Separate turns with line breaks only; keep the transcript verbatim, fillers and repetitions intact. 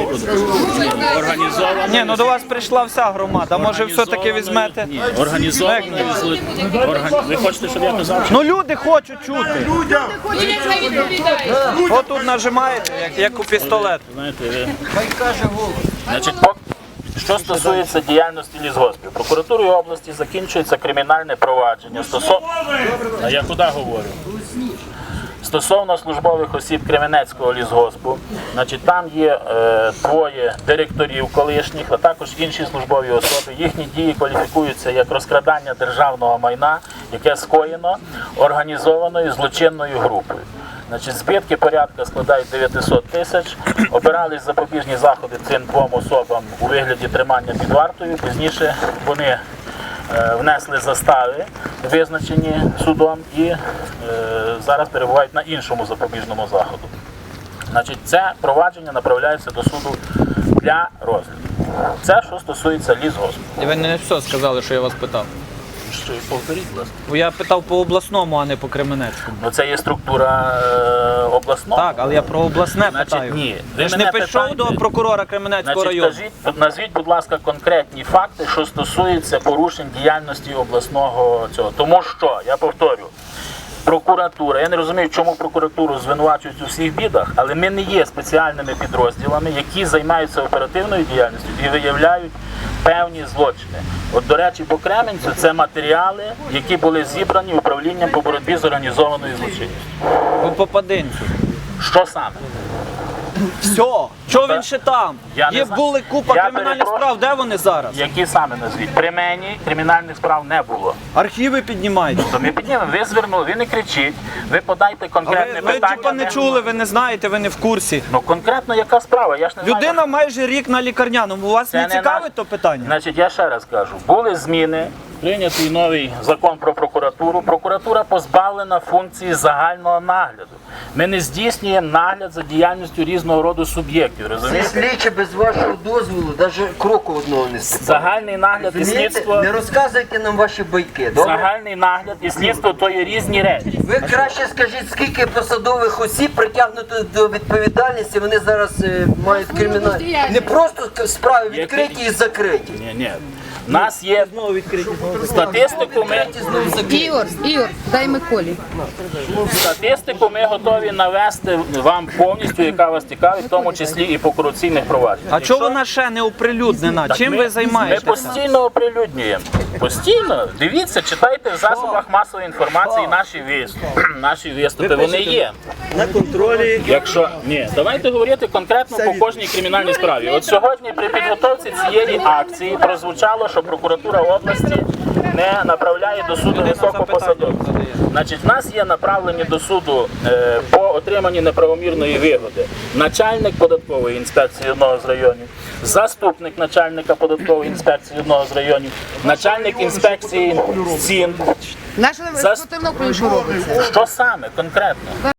Організовано.
Ні, ну до вас прийшла вся громада, може все-таки візьмете?
Ні, організованою зло- орган- Ви хочете, щоб я казав?
Ну люди хочуть чути. Отут нажимаєте, як, як у пістолет.
Знаєте, ви... Значить, пок- що стосується діяльності лісгоспів, прокуратурою області закінчується кримінальне провадження стосовно... А я куди говорю? Стосовно службових осіб Кременецького лісгоспу, значить, там є е, двоє директорів колишніх, а також інші службові особи. Їхні дії кваліфікуються як розкрадання державного майна, яке скоєно організованою злочинною групою. Значить, збитки порядка складають дев'ятсот тисяч. Обирались запобіжні заходи цим двом особам у вигляді тримання під вартою. Пізніше вони е, внесли застави, визначені судом, і е, зараз перебувають на іншому запобіжному заходу. Значить, це провадження направляється до суду для розгляду. Це що стосується лісгоспу.
І ви не все сказали, що я вас питав.
Що, повторіть, будь ласка.
Бо я питав по обласному, а не по Кременецькому.
Ну, це є структура е, обласного.
Так, але я про обласне
Значить,
питаю.
ні.
Ви
Ви
ж не
мене
пішов
питаєте-
до прокурора Кременецького
Значить,
району?
кажіть, назвіть, будь ласка, конкретні факти, що стосуються порушень діяльності обласного цього. Тому що, я повторю, прокуратура, я не розумію, чому прокуратуру звинувачують у всіх бідах, але ми не є спеціальними підрозділами, які займаються оперативною діяльністю і виявляють певні злочини. От, до речі, по Кременцю це матеріали, які були зібрані управлінням по боротьбі з організованою злочинністю.
По Попадинцю.
Що саме?
Все. Чого він ще там?
Я не
Є
знаю.
були купа
Я
кримінальних
перепрошую.
справ, де вони зараз?
Які саме назвіть? При мені кримінальних справ не було.
Архіви піднімайте.
То ми піднімемо, ви звернули, ви не кричіть, ви подайте
А
конкретне
ви, ви
питання.
типа не
де-
чули, ви не знаєте, ви не в курсі.
Ну конкретно яка справа? Я ж не
Людина
знаю.
майже рік на лікарняному. У вас
Це
не
не
цікавить
наш-
то питання?
Значить, я ще раз кажу, були зміни, прийнятий новий закон про прокуратуру. Прокуратура позбавлена функції загального нагляду. Ми не здійснюємо нагляд за діяльністю різного роду суб'єктів,
Ці
розумієте?
слідчі без вашого дозволу навіть кроку одного не ступають.
Загальний нагляд і
Розумієте?
слідство,
Не розказуйте нам ваші байки, добре?
загальний нагляд і слідство – то є різні речі.
Ви краще скажіть, скільки посадових осіб притягнуто до відповідальності, вони зараз е, мають кримінальні. Не просто справи відкриті і закриті.
Ні, ні. У нас є статистику, ми,
Ігор, Ігор, дай Миколі.
статистику ми готові навести вам повністю, яка вас цікавить, в тому числі і по корупційних провадженнях.
А чого вона ще не оприлюднена?
Так
Чим
ми-
ви займаєтеся?
Ми постійно оприлюднюємо. Постійно. Дивіться, читайте в засобах масової інформації наші виступи. Наші виступи, вони є.
На контролі.
Якщо ні, давайте говорити конкретно по кожній кримінальній справі. От сьогодні при підготовці цієї акції прозвучало, що прокуратура області не направляє до суду високопосадовців. Значить, в нас є направлені до суду е, по отриманні неправомірної вигоди начальник податкової інспекції одного з районів, заступник начальника податкової інспекції одного з районів, начальник інспекції цін.
Наша спортивна що робиться?
Що саме конкретно?